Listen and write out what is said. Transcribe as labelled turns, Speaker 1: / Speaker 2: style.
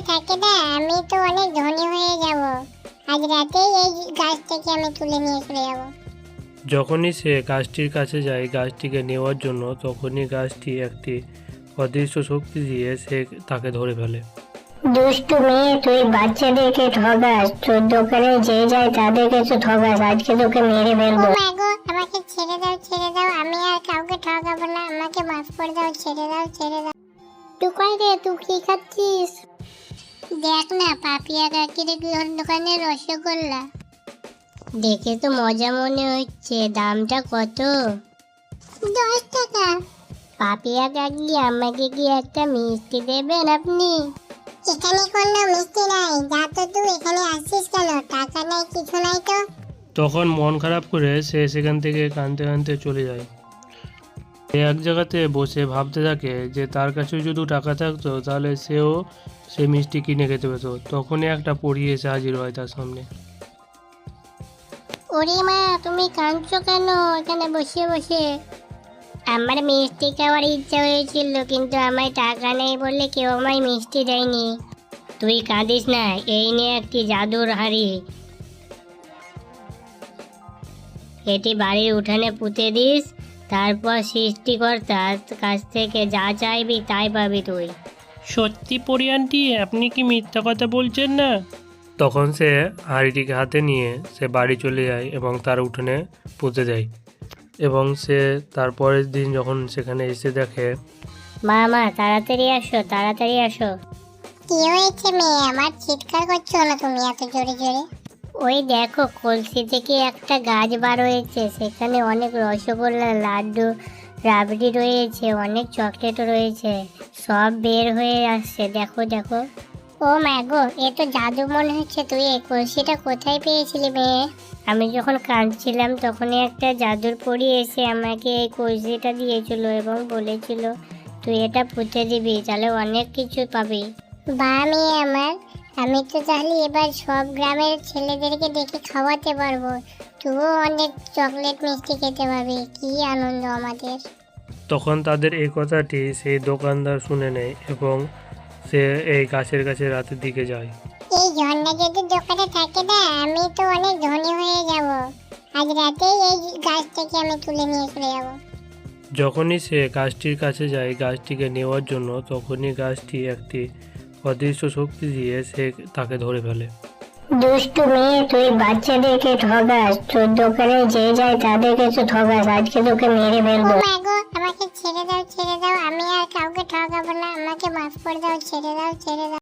Speaker 1: থাকে না, আমি তো অনেক ধনী হয়ে যাব। আজ রাতেই এই গাছ থেকে আমি তুলে নিয়ে চলে যাব।
Speaker 2: যখনই সে গাছটির কাছে যায় গাছটিকে নেওয়ার জন্য, তখনই গাছটি একটি অদৃশ্য শক্তি দিয়ে সে তাকে ধরে ফেলে।
Speaker 3: দুষ্টু মেয়ে, তুই বাচ্চাদেরকে ঠগাস, তোর দোকানে যে যায় তাদেরকে তো ঠগাস, আজকে তোকে মেরে
Speaker 1: ও
Speaker 3: ফেলবো।
Speaker 1: মা গো, আমাকে ছেড়ে দাও, ছেড়ে দাও, আমি আর কাউকে ঠকাবো না, আমাকে মাফ করে দাও, ছেড়ে দাও, ছেড়ে দাও। টুকাই রে, তুই কি খাচ্ছিস? দেখ না, পাপিয়া কাকির দোকানে রসগোল্লা।
Speaker 3: দেখে তো মজা মনে হচ্ছে, দামটা কত?
Speaker 1: 10 টাকা।
Speaker 3: পাপিয়া কাকি, আমাকে কি একটা মিষ্টি দেবেন আপনি?
Speaker 1: এখানে কোনো মিষ্টি নাই, যা তো তুই এখানে আসছিস কেন? টাকা নাই, কিছু নাই তো।
Speaker 2: তখন মন খারাপ করে সে সেখান থেকে কাঁদতে কাঁদতে চলে যায়। সে এক জায়গাতে বসে ভাবতে থাকে যে তার কাছে যদি টাকা থাকতো তাহলে সেও সে মিষ্টি কিনে খেতে পেত। তখনই একটা পরী এসে হাজির হয় তার সামনে।
Speaker 3: ওরে মা, তুমি কাঁদছো কেন এখানে বসে বসে? আমার মিষ্টি খাওয়ার ইচ্ছা হয়েছিল, কিন্তু আমার টাকা নেই বলে কেউ আমায় মিষ্টি দেয়নি। তুই কাঁদিস না, এই নিয়ে একটি জাদুর হাড়ি, এটি বাড়ির উঠানে পুঁতে দিস, তারপর সৃষ্টিকর্তার কাছ থেকে যা চাইবি তাই পাবি তুই।
Speaker 2: সত্যি পরী আন্টি, আপনি কি মিথ্যা কথা বলছেন না? তখন সে হাঁড়িটিকে হাতে নিয়ে সে বাড়ি চলে যায় এবং তার উঠোনে পুঁতে দেয়। এবং সে তার পরের দিন যখন সেখানে এসে দেখে,
Speaker 3: মা মা, তাড়াতাড়ি আসো, তাড়াতাড়ি আসো।
Speaker 1: কি হয়েছে মেয়ে আমার, চিৎকার করছো না তুমি এত জোরে জোরে?
Speaker 3: ওই দেখো, কলসি থেকে একটা গাছ বার হয়েছে, সেখানে অনেক রসগোল্লা, লাড্ডু, রাবড়ি রয়েছে, অনেক চকলেটও রয়েছে, সব বের হয়ে আসছে, দেখো দেখো।
Speaker 1: ও মা গো, এ তো জাদু মনে হচ্ছে। তুই এই কলসিটা কোথায় পেয়েছিলি মেয়ে?
Speaker 3: আমি যখন কাঁদছিলাম তখনই একটা জাদুর পরী এসে আমাকে এই কলসিটা দিয়েছিল এবং বলেছিল তুই এটা পুঁতে দিবি, তাহলে অনেক কিছু পাবি।
Speaker 1: বা মেয়ে আমার, আমি তো তাহলে এবার সব গ্রামের ছেলেদেরকে ডেকে খাওয়াতে পারবো, তুইও অনেক চকলেট মিষ্টি খেতে পারবি। কি আনন্দ আমাদের।
Speaker 2: তখন তাদের এই কথাটি সেই দোকানদার শুনে নেয় এবং সে এই গাছের কাছে রাতের দিকে যায়।
Speaker 1: এই ঝর্ণা যদি দোকানে থাকে না, আমি তো অনেক ধনী হয়ে যাব। আজ রাতেই এই গাছ থেকে আমি তুলে নিয়ে চলে যাব।
Speaker 2: যখনই সে গাছটির কাছে যায় গাছটিকে নেওয়ার জন্য, তখনই গাছটি একটি অদৃশ্য শক্তি দিয়ে সে তাকে ধরে ফেলে।
Speaker 3: দুষ্টু মেয়ে, তুই বাচ্চাদেরকে ঠগাস, তোর দোকানে যে যায় তাদেরকে তো ঠগাস, আজকে তোকে মেরে
Speaker 1: ও
Speaker 3: ফেলবো।
Speaker 1: মা গো, আমাকে ছেড়ে দাও, ছেড়ে দাও, আমি আর কাউকে ঠকাবো না, আমাকে মাফ করে দাও, ছেড়ে দাও, ছেড়ে দাও।